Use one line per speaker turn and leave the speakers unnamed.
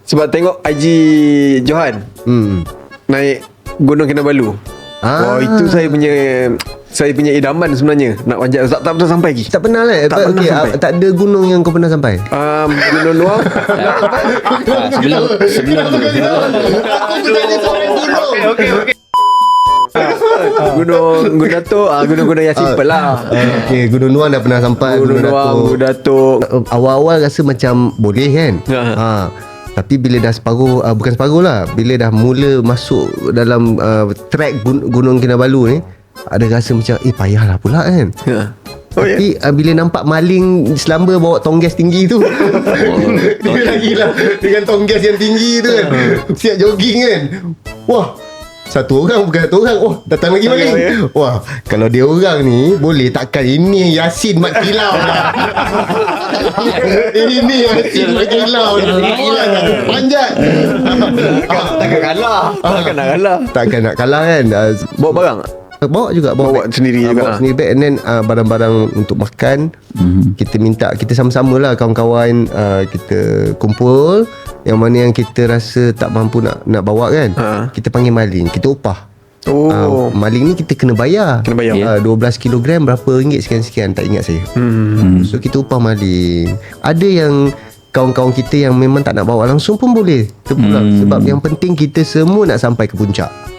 Sebab tengok IG Johan naik Gunung Kinabalu. Wah, itu saya punya idaman sebenarnya. Nak panjat tak pernah sampai lagi.
Tak pernah lah.
Tak pernah sampai.
Tak ada gunung yang kau pernah sampai?
Gunung Nuang.
Sebelum
Aku bertanya sampai gunung.
Okey.
Gunung Datuk. Gunung-gunung yang simple lah.
Okay, Gunung Nuang dah pernah sampai.
Gunung Nuang, Gunung Datuk.
Awal-awal rasa macam boleh kan. Tapi bila dah separuh, bukan separuh lah, bila dah mula masuk dalam trek Gunung Kinabalu ni, ada rasa macam payahlah pula kan. Tapi bila nampak maling selamba bawa tongges tinggi tu, dia lagi lah dengan tongges yang tinggi tu kan, siap jogging kan. Wah, satu orang bukan satu orang. Oh, datang lagi maling. Wah, kalau dia orang ni boleh, takkan ini Yasin Mat Kilau lah. Ini Yasin Mat Kilau lah. Panjat.
Takkan kalah.
Takkan nak kalah kan.
Bawa barang.
Bawa juga
Bawa sendiri juga.
Bawa sendiri bag. And then barang-barang untuk makan, kita minta, kita sama-sama lah kawan-kawan, kita kumpul. Yang mana yang kita rasa tak mampu nak bawa kan, kita panggil maling, kita upah. Maling ni kita kena bayar. 12 kilogram berapa ringgit sekian-sekian, tak ingat saya. So kita upah maling. Ada yang kawan-kawan kita yang memang tak nak bawa langsung pun boleh terpulang. Sebab yang penting kita semua nak sampai ke puncak.